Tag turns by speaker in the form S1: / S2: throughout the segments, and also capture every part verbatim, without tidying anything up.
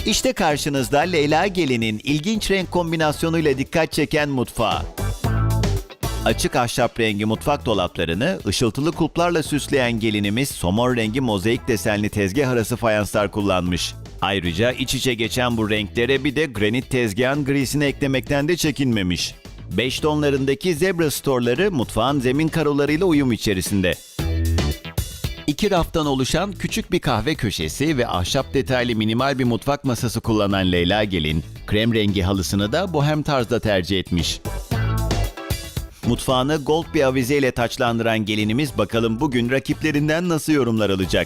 S1: İşte karşınızda Leyla Gelin'in ilginç renk kombinasyonuyla dikkat çeken mutfağı. Açık ahşap rengi mutfak dolaplarını ışıltılı kulplarla süsleyen gelinimiz somon rengi mozaik desenli tezgah arası fayanslar kullanmış. Ayrıca iç içe geçen bu renklere bir de granit tezgahın grisini eklemekten de çekinmemiş. Beş tonlarındaki zebra storları mutfağın zemin karolarıyla uyum içerisinde. İki raftan oluşan küçük bir kahve köşesi ve ahşap detaylı minimal bir mutfak masası kullanan Leyla Gelin, krem rengi halısını da bohem tarzda tercih etmiş. Mutfağını gold bir avizeyle taçlandıran gelinimiz bakalım bugün rakiplerinden nasıl yorumlar alacak?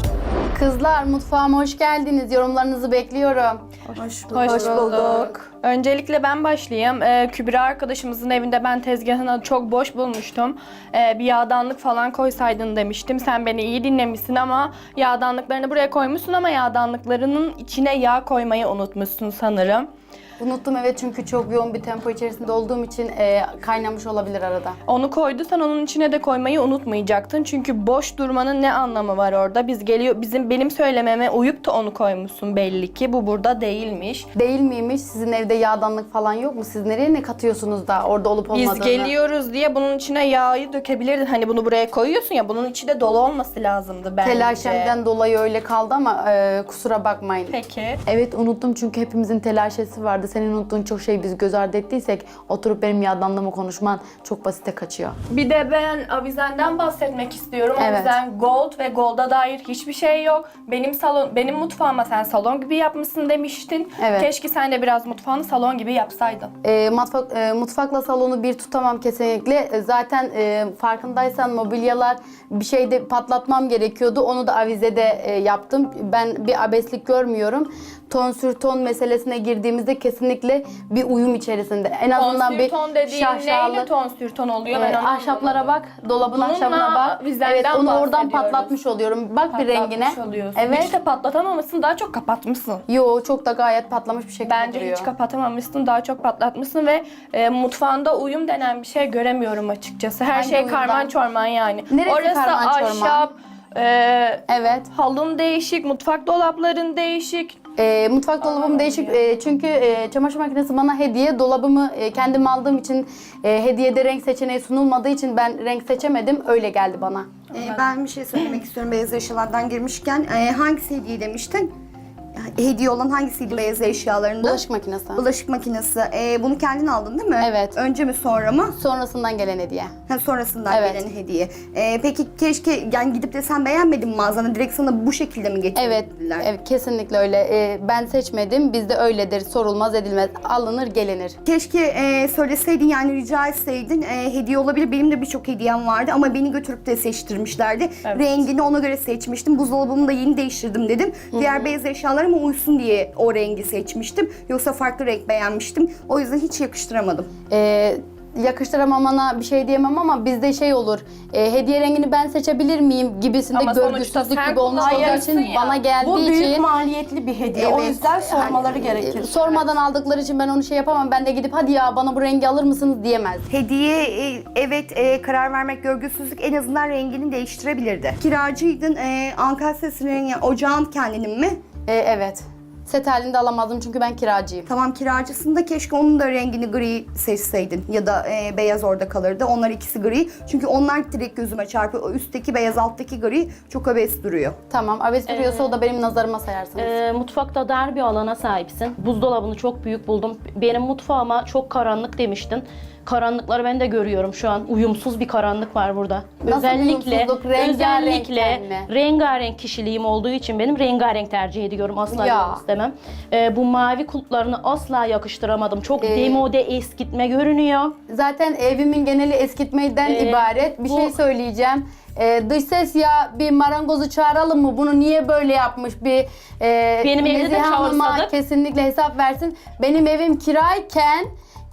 S2: Kızlar mutfağıma hoş geldiniz. Yorumlarınızı bekliyorum.
S3: Hoş bulduk.
S4: Hoş bulduk. Öncelikle ben başlayayım. Ee, Kübra arkadaşımızın evinde ben tezgahını çok boş bulmuştum. Ee, bir yağdanlık falan koysaydın demiştim. Sen beni iyi dinlemişsin ama yağdanlıklarını buraya koymuşsun ama yağdanlıklarının içine yağ koymayı unutmuşsun sanırım.
S2: Unuttum evet çünkü çok yoğun bir tempo içerisinde olduğum için e, kaynamış olabilir arada.
S4: Onu koyduysan onun içine de koymayı unutmayacaktın. Çünkü boş durmanın ne anlamı var orada? Biz geliyor bizim benim söylememe uyup da onu koymuşsun belli ki. Bu burada değilmiş.
S2: Değil miymiş? Sizin evde yağdanlık falan yok mu? Siz nereye ne katıyorsunuz da orada olup olmadığını?
S4: Biz geliyoruz diye bunun içine yağı dökebilirdin. Hani bunu buraya koyuyorsun ya, bunun içi de dolu olması lazımdı bence.
S2: Telaşemden dolayı öyle kaldı ama e, kusura bakmayın.
S4: Peki.
S2: Evet unuttum çünkü hepimizin telaşesi vardı. Senin unuttuğun çok şey biz göz ardı ettiysek oturup benim yağdanlığımı konuşman çok basite kaçıyor.
S4: Bir de ben avizenden bahsetmek istiyorum.
S2: Evet.
S4: Avizen gold ve golda dair hiçbir şey yok. Benim salon, benim mutfağıma sen salon gibi yapmışsın demiştin.
S2: Evet.
S4: Keşke sen de biraz mutfağını salon gibi yapsaydın.
S2: E, mutfak, e, mutfakla salonu bir tutamam kesinlikle. E, zaten e, farkındaysan mobilyalar bir şeyde patlatmam gerekiyordu. Onu da avizede e, yaptım. Ben bir abeslik görmüyorum. Ton sür ton meselesine girdiğimizde kesinlikle bir uyum içerisinde. En azından
S4: Ton
S2: bir
S4: sür ton dediğin
S2: şaşalı.
S4: neyle ton sür ton oluyor?
S2: Ee,
S4: Ben onu
S2: ahşaplara
S4: anlamadım.
S2: bak, dolabın
S4: Bununla
S2: ahşabına bak.
S4: vizenden
S2: Evet, onu oradan
S4: bahsediyoruz.
S2: patlatmış oluyorum. Bak bir rengine.
S4: Patlatmış oluyorsun.
S2: Evet.
S4: Hiç de patlatamamışsın, daha çok kapatmışsın.
S2: Yo, çok da gayet patlamış bir şekilde
S4: Bence
S2: duruyor.
S4: hiç kapatamamışsın, daha çok patlatmışsın ve e, mutfağında uyum denen bir şey göremiyorum açıkçası. Her
S2: Hangi
S4: şey
S2: uyumdan?
S4: karman çorman yani.
S2: Neresi
S4: Orası
S2: karman çorman?
S4: ahşap, e,
S2: Evet.
S4: halın değişik, mutfak dolapların değişik.
S2: Ee, mutfak dolabım değişik e, çünkü e, çamaşır makinesi bana hediye. Dolabımı e, kendim aldığım için e, hediyede renk seçeneği sunulmadığı için ben renk seçemedim. Öyle geldi bana.
S3: Ee, ben bir şey söylemek istiyorum beyaz eşyalardan girmişken. Ee, hangisi hediye demiştin? Yani hediye olan hangisiydi beyaz eşyalarında?
S2: Bulaşık makinesi.
S3: Bulaşık makinesi. Ee, bunu kendin aldın değil mi?
S2: Evet.
S3: Önce mi sonra mı?
S2: Sonrasından gelen hediye.
S3: Ha, sonrasından
S2: Evet.
S3: gelen hediye. Ee, peki keşke yani gidip de sen beğenmedin mi mağazana? Direkt sana bu şekilde mi
S2: Evet,
S3: getirdiler?
S2: evet kesinlikle öyle. Ee, ben seçmedim. Bizde öyledir. Sorulmaz edilmez. Alınır gelinir.
S3: Keşke e, söyleseydin yani rica etseydin e, hediye olabilir. Benim de birçok hediyem vardı ama beni götürüp de seçtirmişlerdi.
S4: Evet.
S3: Rengini ona göre seçmiştim. Buzdolabımı da yeni değiştirdim dedim. Diğer beyaz eşyalarıma uysun diye o rengi seçmiştim. Yoksa farklı renk beğenmiştim. O yüzden hiç yakıştıramadım.
S2: Ee, yakıştıramamana bir şey diyemem ama bizde şey olur. E, hediye rengini ben seçebilir miyim gibisinde
S4: Ama sonuçta
S2: görgüsüzlük
S4: sen
S2: gibi olmuş olduğu
S4: kullayacaksın
S2: için
S4: ya.
S2: bana geldiği
S5: Bu büyük
S2: için
S5: maliyetli bir hediye. O
S3: Evet.
S5: yüzden sormaları
S2: e,
S5: gerekir.
S2: sormadan aldıkları için ben onu şey yapamam. Ben de gidip hadi ya bana bu rengi alır mısınız diyemez.
S3: Hediye e, evet e, karar vermek görgüsüzlük en azından rengini değiştirebilirdi. Kiracıydın. E, Ankara Sesi'nin yani ocağın kendinin mi?
S2: E, evet. Set halinde alamazdım çünkü ben kiracıyım.
S3: Tamam kiracısında keşke onun da rengini gri seçseydin ya da e, beyaz orada kalırdı. Onlar ikisi gri. Çünkü onlar direkt gözüme çarpıyor. O üstteki beyaz alttaki gri çok abes duruyor.
S2: Tamam. Abes duruyorsa o da benim nazarıma sayarsınız.
S6: Ee, mutfakta dar bir alana sahipsin. Buzdolabını çok büyük buldum. Benim mutfağıma çok karanlık demiştin. Karanlıkları ben de görüyorum şu an. Uyumsuz bir karanlık var burada.
S2: Nasıl
S6: özellikle
S2: uyumsuzluk? Rengarenkten
S6: özellikle
S2: mi?
S6: rengarenk kişiliğim olduğu için benim rengarenk tercih ediyorum. Asla
S2: Ya.
S6: yorum istemem. Ee, bu mavi kulplarını asla yakıştıramadım. Çok
S2: Ee,
S6: demode eskitme görünüyor.
S2: Zaten evimin geneli eskitmeden
S6: Ee,
S2: ibaret. Bir
S6: bu-
S2: şey söyleyeceğim. Ee, dış ses ya bir marangozu çağıralım mı? Bunu niye böyle yapmış? Bir e,
S6: Benim evde de
S2: Nezihe Hanım'a
S6: çağırsadık.
S2: kesinlikle hesap versin. Benim evim kirayken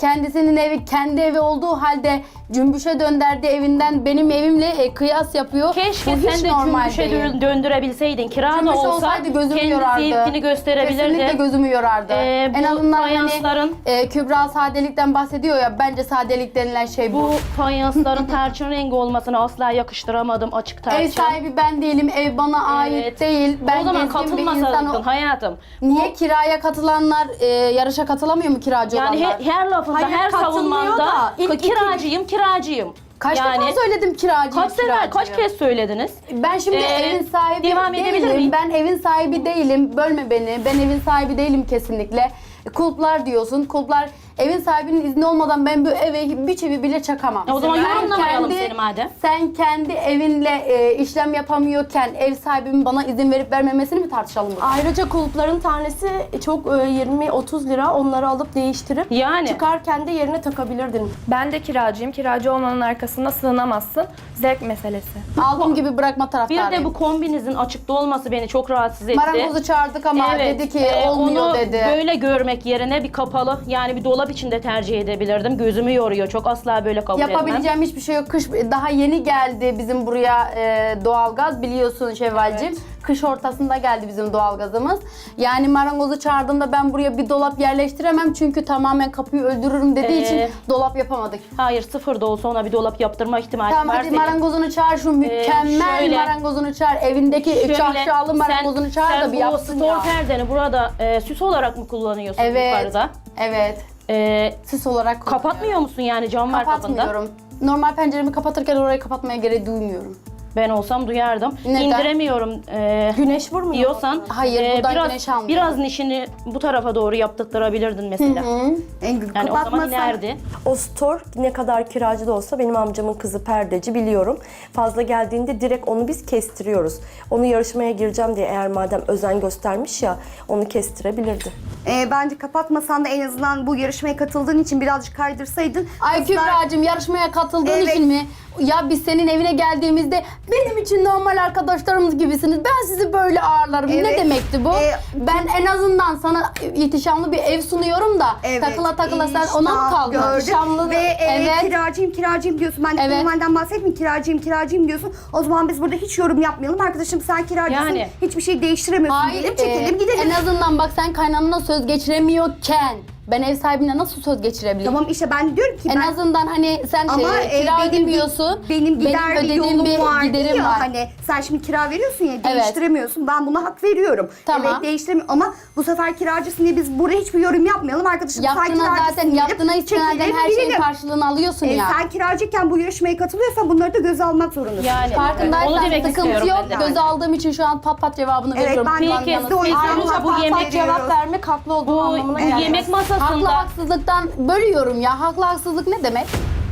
S2: kendisinin evi kendi evi olduğu halde cümbüşe dönderdi evinden benim evimle e, kıyas yapıyor.
S6: Keşke
S2: Bu hiç
S6: sen de
S2: normal
S6: cümbüşe
S2: değil.
S6: dö- döndürebilseydin. Kira da
S2: Cümbüş
S6: olsa
S2: olsaydı gözümü
S6: kendi
S2: yorardı.
S6: zevkini gösterebilirdi.
S2: Kesinlikle gözümü yorardı.
S6: Ee,
S2: en
S6: bu
S2: azından hani
S6: fayansların-
S2: e, Kübra sadelikten bahsediyor ya, bence sadelik denilen şey bu.
S6: Bu fayansların tarçın rengi olmasını asla yakıştıramadım, açık tarçın.
S2: Ev sahibi ben değilim, ev bana ait
S6: Evet.
S2: değil. Ben
S6: o zaman
S2: gezgin bir
S6: katılmasaydın
S2: insanım.
S6: hayatım.
S2: Niye kiraya katılanlar e, yarışa katılamıyor mu kiracı
S6: Yani
S2: olanlar?
S6: he- her lafında,
S5: Hayır,
S6: her
S5: katılmıyor
S6: savunmanda
S5: da ilk iki-
S6: kiracıyım, kiracıyım.
S2: Kaç
S6: yani,
S2: defa söyledim kiracıyım,
S6: Kaç sefer,
S2: kiracıyım.
S6: kaç kez söylediniz?
S2: Ben şimdi
S6: Ee,
S2: evin sahibi
S6: devam edebilir
S2: değilim.
S6: miyim?
S2: Ben evin sahibi değilim. Bölme beni. Ben evin sahibi değilim kesinlikle. Kulplar diyorsun. Kulplar evin sahibinin izni olmadan ben bu eve bir çivi bile çakamam.
S6: E o zaman
S2: Sen
S6: yorumlamayalım
S2: kendi-
S6: seni madem.
S2: Sen kendi evinle e, işlem yapamıyorken ev sahibimin bana izin verip vermemesini mi tartışalım burada?
S5: Ayrıca kulüplerin tanesi çok e, yirmi otuz lira, onları alıp değiştirip
S6: Yani.
S5: çıkarken de yerine takabilirdin.
S4: Ben de kiracıyım. Kiracı olmanın arkasına sığınamazsın. Zevk meselesi.
S2: Aldığım gibi bırakma
S6: Bir
S2: taraftarıyım.
S6: de bu kombinizin açıkta olması beni çok rahatsız etti.
S2: Marangozu çağırdık ama
S6: Evet,
S2: dedi ki
S6: e,
S2: olmuyor
S6: onu
S2: dedi.
S6: böyle görmek yerine bir kapalı, yani bir dolap içinde tercih edebilirdim. Gözümü yoruyor çok, asla böyle kabul etmem.
S2: Yapabileceğim hiçbir şey yok. Kış daha yeni geldi bizim buraya e, doğalgaz, biliyorsun Şevvalciğim. Kış ortasında geldi bizim doğalgazımız. Yani marangozu çağırdığımda ben buraya bir dolap yerleştiremem çünkü tamamen kapıyı öldürürüm dediği
S6: Ee,
S2: için dolap yapamadık.
S6: Hayır, sıfır da olsa ona bir dolap yaptırma ihtimali
S2: Tamam
S6: var
S2: hadi
S6: senin.
S2: marangozunu çağır, şu mükemmel
S6: şöyle-
S2: marangozunu çağır, evindeki
S6: Şöyle,
S2: şahşalı marangozunu çağır
S6: sen
S2: da bir
S6: bu
S2: yapsın
S6: stor
S2: ya.
S6: perdeni burada e, süs olarak mı kullanıyorsun
S2: Evet,
S6: yukarıda?
S2: evet.
S6: E,
S2: Süs olarak
S6: kapatmıyor musun yani, cam var kapında?
S2: Kapatmıyorum. Normal penceremi kapatırken orayı kapatmaya gerek duymuyorum.
S6: Ben olsam duyardım.
S2: Neden?
S6: İndiremiyorum e,
S5: Güneş vurmuyor.
S6: diyorsan
S2: Hayır, buradan
S6: biraz,
S2: güneş almıyor.
S6: biraz nişini bu tarafa doğru yaptırtırabilirdin mesela.
S3: En
S6: Yani o zaman
S3: kapatmasan-
S6: inerdi.
S7: O store ne kadar kiracı da olsa, benim amcamın kızı perdeci, biliyorum. Fazla geldiğinde direkt onu biz kestiriyoruz. Onu yarışmaya gireceğim diye eğer madem özen göstermiş ya, onu kestirebilirdi.
S3: Ee, bence kapatmasan da en azından bu yarışmaya katıldığın için birazcık kaydırsaydın.
S2: Ay
S3: kızlar-
S2: Kübra'cığım, yarışmaya katıldığın
S3: Evet.
S2: için mi? Ya biz senin evine geldiğimizde benim için normal arkadaşlarımız gibisiniz. Ben sizi böyle ağırlarım. Ne
S3: Evet.
S2: demekti bu?
S3: Ee,
S2: ben en azından sana ihtişamlı bir ev sunuyorum da
S3: Evet,
S2: takıla takıla sen
S3: işte
S2: ona mı kaldın?
S3: gördüm.
S2: İhtişamlı
S3: Ve e,
S2: evet.
S3: kiracıyım kiracıyım diyorsun. Ben de
S2: Evet.
S3: kayınvaliden bahsetmiyorum, kiracıyım kiracıyım diyorsun. O zaman biz burada hiç yorum yapmayalım. Arkadaşım sen kiracısın,
S6: Yani.
S3: hiçbir şey değiştiremiyorsun
S2: Hayır,
S3: diyelim, çekelim
S2: e,
S3: gidelim.
S2: en azından bak sen kaynanana söz geçiremiyorken ben ev sahibine nasıl söz geçirebilirim?
S3: Tamam işte ben diyorum ki
S2: En
S3: ben...
S2: azından hani sen
S3: Ama
S2: e,
S3: e,
S2: kira
S3: benim,
S2: ödemiyorsun.
S3: benim gider bir
S2: ödediğim
S3: yolum var
S2: giderim
S3: ya
S2: var.
S3: hani sen şimdi kira veriyorsun ya, değiştiremiyorsun. Ben buna hak veriyorum.
S2: Tamam.
S3: Evet değiştiremiyorum ama bu sefer kiracısın diye biz buraya hiçbir yorum yapmayalım. Arkadaşım sen
S2: Yaptığına
S3: kiracısın
S2: zaten
S3: diyelim,
S2: yaptığına istinaden
S3: çekelim,
S2: her şeyin
S3: gidelim.
S2: karşılığını alıyorsun
S3: E,
S2: ya.
S3: sen kiracıyken bu yarışmaya katılıyorsan bunları da göze almak zorundasın.
S6: Yani onu
S2: Farkındaysan
S6: demek
S2: sıkıntı
S6: istiyorum
S2: yok.
S6: ben de.
S2: Göze aldığım için şu an pat pat cevabını
S3: Evet,
S2: veriyorum.
S3: ben de
S6: Peki,
S3: biz de o yüzden
S6: ayrıca bu
S3: pat pat
S6: yemek
S3: veriyoruz.
S5: Cevap vermek haklı olduğum
S6: Bu
S5: anlamına
S6: yemek
S5: gelmez.
S2: Haklı
S6: masasında
S2: haksızlıktan bölüyorum ya. Haklı haksızlık ne demek?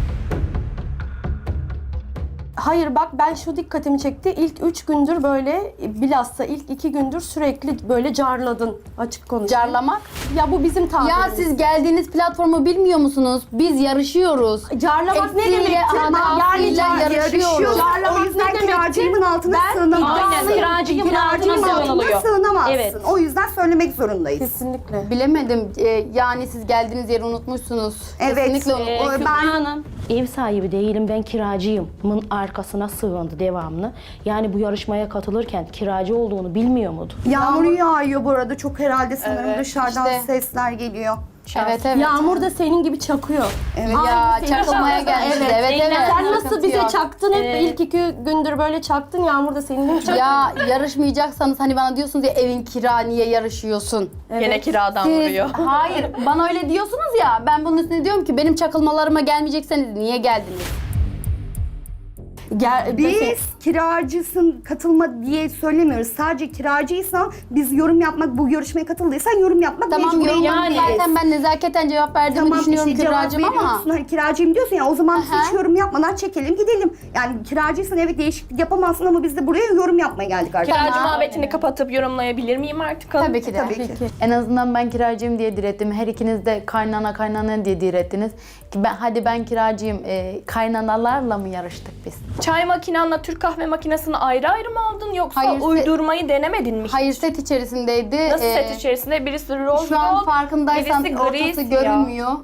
S5: Hayır bak, ben şu dikkatimi çekti. İlk üç gündür böyle, bilhassa ilk iki gündür sürekli böyle carladın, açık konuşayım.
S2: Carlamak.
S5: Ya bu bizim tabirimiz.
S2: Ya siz geldiğiniz platformu bilmiyor musunuz? Biz yarışıyoruz.
S5: Carlamak ne
S2: Eksiğiyle,
S5: demektir?
S2: hatasıyla
S5: Yani
S2: yarışıyoruz.
S3: O yüzden
S5: ne demektir?
S3: kiracımın altına
S5: Ben
S3: sığınamazsın.
S6: Aynen, kiracıyım
S3: Kiracımın
S6: altına
S3: altına
S6: sığınılıyor.
S3: sığınamazsın.
S6: Evet.
S3: O yüzden söylemek zorundayız.
S5: Kesinlikle.
S2: Bilemedim. Ee, yani siz geldiğiniz yeri unutmuşsunuz.
S3: Evet,
S2: Kesinlikle
S3: e,
S2: unut-
S6: Ee,
S3: O-
S6: Kübra
S3: ben-
S6: Hanım, ev sahibi değilim, ben kiracıyımın arkasına sığındı devamlı. Yani bu yarışmaya katılırken kiracı olduğunu bilmiyor muydu?
S3: Yağmur yağıyor bu arada çok, herhalde sanırım
S2: Evet,
S3: dışarıdan
S2: işte.
S3: sesler geliyor.
S2: Evet evet.
S5: Yağmur da senin gibi çakıyor.
S3: Evet.
S2: Ya
S5: Aynı senin
S2: çakılmaya
S5: şansın.
S2: geldi.
S5: Evet.
S2: Evet evet.
S5: Sen nasıl
S2: Sıkıntı
S5: bize
S2: yok.
S5: çaktın hep,
S6: Ee,
S5: ilk iki gündür böyle çaktın, Yağmur da senin gibi çakıyor.
S2: Ya yarışmayacaksanız hani bana diyorsunuz ya evin kira niye yarışıyorsun?
S4: Gene kiradan
S2: Siz,
S4: vuruyor.
S2: hayır bana öyle diyorsunuz ya, ben bunun üstüne diyorum ki benim çakılmalarıma gelmeyecekseniz niye geldiniz?
S5: Gel,
S3: Biz kiracısın katılma diye söylemiyoruz. Sadece kiracıysan biz yorum yapmak, bu yarışmaya katıldıysan yorum yapmak
S2: Tamam
S3: mecburi
S2: yorum
S6: yani.
S2: zaten ben nezaketen cevap verdiğimi düşünüyorum
S3: işte cevap
S2: kiracım ama.
S3: veriyorsun, hani kiracıyım diyorsun ya, o zaman biz
S2: Aha.
S3: hiç yorum yapmadan çekelim gidelim. Yani kiracıysan evet değişiklik yapamazsın ama biz de buraya yorum yapmaya geldik arkadaşlar.
S4: Kiracı muhabbetini kapatıp yorumlayabilir miyim artık? hanım?
S2: Tabii ki de.
S3: Tabii ki.
S2: En azından ben kiracıyım diye direttim. Her ikiniz de kaynana kaynana diye direttiniz. Ki ben, hadi ben kiracıyım. E, kaynanalarla mı yarıştık biz?
S4: Çay makinanla Türk kahve makinesini ayrı ayrı mı aldın yoksa
S2: Hayır, se-
S4: uydurmayı denemedin mi?
S2: Hayır, set içerisindeydi.
S4: Nasıl
S2: Ee,
S4: set içerisinde? Birisi rose
S2: Şu an
S4: gold,
S2: farkındaysan
S4: birisi gri
S2: ortası
S4: siyah.
S2: görünmüyor.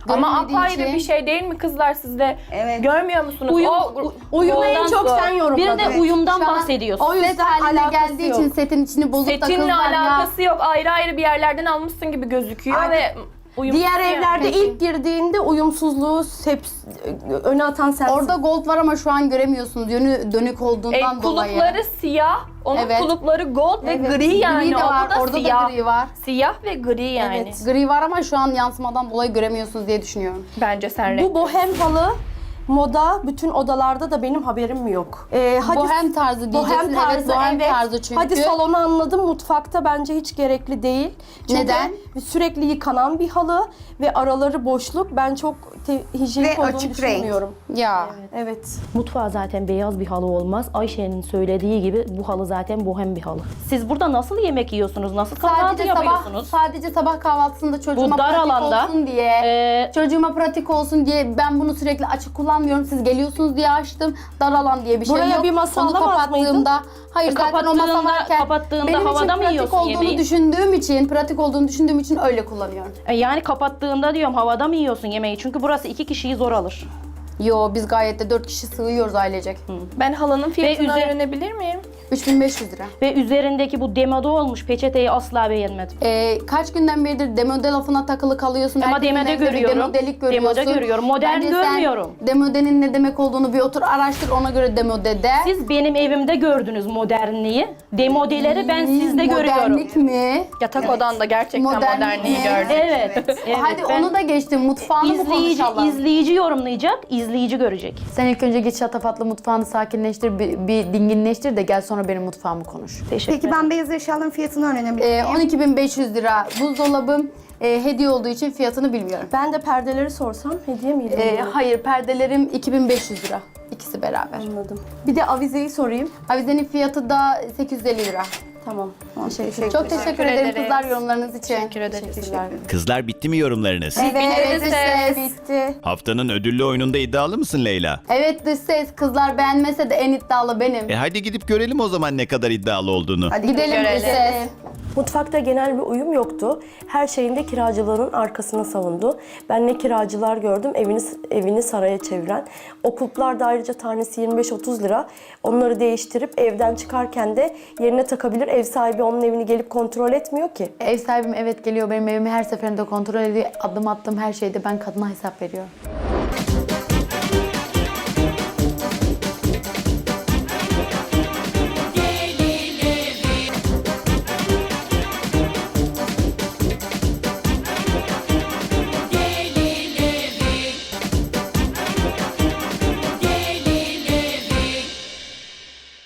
S4: Ama
S2: Görünmediği
S4: apayrı
S2: için-
S4: bir şey değil mi kızlar siz de?
S3: Evet.
S4: Görmüyor musunuz?
S6: Uyum-
S4: O,
S5: Uyumu en
S4: ondan
S5: çok
S4: sonra-
S5: sen
S6: Bir
S5: yorumladın.
S6: de uyumdan
S2: Şu an
S6: bahsediyorsun.
S5: O
S2: Set
S5: yüzden
S2: haline
S5: alakası
S2: geldiği
S5: yok.
S2: için setin içini bozup da
S4: Setinle
S2: kızlar ya.
S4: alakası yok. Ayrı ayrı bir yerlerden almışsın gibi gözüküyor
S5: Aynen.
S4: ve uyumsuz
S5: Diğer
S4: yani.
S5: evlerde
S2: Peki.
S5: ilk girdiğinde uyumsuzluğu hep öne atan sensin.
S2: Orada gold var ama şu an göremiyorsunuz. Yönü dönük
S4: E,
S2: olduğundan dolayı.
S4: kulupları siyah, onun
S2: Evet.
S4: kulupları gold ve
S2: Evet.
S4: gri yani.
S2: Gri de
S4: O
S2: var,
S4: da
S2: orada
S4: siyah.
S2: da gri var.
S4: Siyah ve gri yani.
S5: Evet.
S2: Gri var ama şu an yansımadan dolayı göremiyorsunuz diye düşünüyorum.
S4: Bence sen renk.
S5: Bu bohem halı moda bütün odalarda da benim haberim mi yok? Ee, hadi
S2: Bohem tarzı diyeceksin.
S5: Bohem tarzı,
S2: evet, bohem
S5: evet.
S2: tarzı çünkü.
S5: Hadi salonu anladım. Mutfakta bence hiç gerekli değil. Çünkü
S2: Neden?
S5: sürekli yıkanan bir halı ve araları boşluk. Ben çok te- hijyenik
S3: Ve
S5: olduğunu
S3: açık renk.
S5: düşünmüyorum.
S2: Ya.
S5: Evet.
S6: Mutfağa zaten beyaz bir halı olmaz. Ayşe'nin söylediği gibi bu halı zaten bohem bir halı. Siz burada nasıl yemek yiyorsunuz? Nasıl kahvaltı
S2: Sadece sabah,
S6: yapıyorsunuz?
S2: sadece sabah kahvaltısında çocuğuma
S6: Bu dar
S2: pratik
S6: alanda,
S2: olsun diye,
S6: Ee,
S2: çocuğuma pratik olsun diye ben bunu sürekli açık kullanmıyorum. Siz geliyorsunuz diye açtım. Dar alan diye bir şey
S5: Buraya
S2: yok.
S5: bir masa
S2: Onu
S5: alamaz mıydın?
S2: kapattığımda, hayır
S6: E,
S2: zaten o masa
S6: kapattığında-
S2: varken
S6: kapattığında
S2: benim için
S6: havada mı
S2: pratik
S6: yiyorsun
S2: olduğunu
S6: yemeği?
S2: düşündüğüm için, pratik olduğunu düşündüğüm için öyle kullanıyorum.
S6: e, yani kapattığında diyorum havada mı yiyorsun yemeği? Çünkü burası iki kişiyi zor alır.
S2: Yo biz gayet de dört kişi sığıyoruz ailecek.
S4: Ben halının fiyatını
S6: üzer-
S4: öğrenebilir miyim?
S2: üç bin beş yüz lira.
S6: Ve üzerindeki bu demode olmuş peçeteyi asla beğenmedim.
S2: Ee, kaç günden beridir demode lafına takılı kalıyorsun.
S6: Ama
S2: Herkesin
S6: demode
S2: evinde bir
S6: görüyorum.
S2: Demodelik görüyorsun.
S6: Demode görüyorum. Modern
S2: Bence sen
S6: görmüyorum.
S2: demodenin ne demek olduğunu bir otur araştır, ona göre demode de.
S6: Siz benim evimde gördünüz modernliği. Demodeleri ben sizde görüyorum.
S2: Modernlik mi?
S4: Yatak odanda gerçekten
S2: Modernlik
S4: modernliği
S2: mi?
S4: gördüm.
S6: Evet. evet.
S2: Hadi
S6: ben-
S2: onu da geçtim. Mutfağını mı
S6: İzleyici,
S2: konuşalım?
S6: izleyici yorumlayacak, izleyici görecek.
S2: Sen ilk önce git şatafatlı mutfağını sakinleştir, bir, bir dinginleştir de gel sonra benim mutfağımı konuş.
S6: Teşekkür
S3: Peki ben beyaz eşyaların fiyatını öğrenebilir
S2: Ee,
S3: miyim?
S2: on iki bin beş yüz lira buzdolabım. Ee, hediye olduğu için fiyatını bilmiyorum.
S5: Ben de perdeleri sorsam hediye miydi?
S2: Ee,
S5: bunlar?
S2: hayır, perdelerim iki bin beş yüz lira. İkisi beraber.
S5: Anladım. Bir de avizeyi sorayım.
S2: Avizenin fiyatı da sekiz yüz elli lira.
S5: Tamam.
S3: Teşekkür
S2: Çok teşekkür,
S4: Teşekkür
S2: ederim
S4: ederiz.
S2: kızlar yorumlarınız için.
S4: Teşekkür ederiz.
S1: Kızlar bitti mi yorumlarınız?
S2: Evet,
S4: Bineriz
S2: dış
S4: ses.
S2: ses.
S5: Bitti.
S1: Haftanın ödüllü oyununda iddialı mısın Leyla?
S2: Evet dış ses. Kızlar beğenmese de en iddialı benim.
S1: E hadi gidip görelim o zaman ne kadar iddialı olduğunu.
S3: Hadi
S2: Gidelim
S4: görelim.
S2: dış ses.
S7: Mutfakta genel bir uyum yoktu. Her şeyinde kiracıların arkasına savundu. Ben ne kiracılar gördüm evini evini saraya çeviren. O kulplar da ayrıca tanesi yirmi beş otuz lira. Onları değiştirip evden çıkarken de yerine takabilir. Ev sahibi onun evini gelip kontrol etmiyor ki.
S2: Ev sahibim evet geliyor benim evimi her seferinde kontrol ediyor. Adım attığım her şeyde ben kadına hesap veriyorum.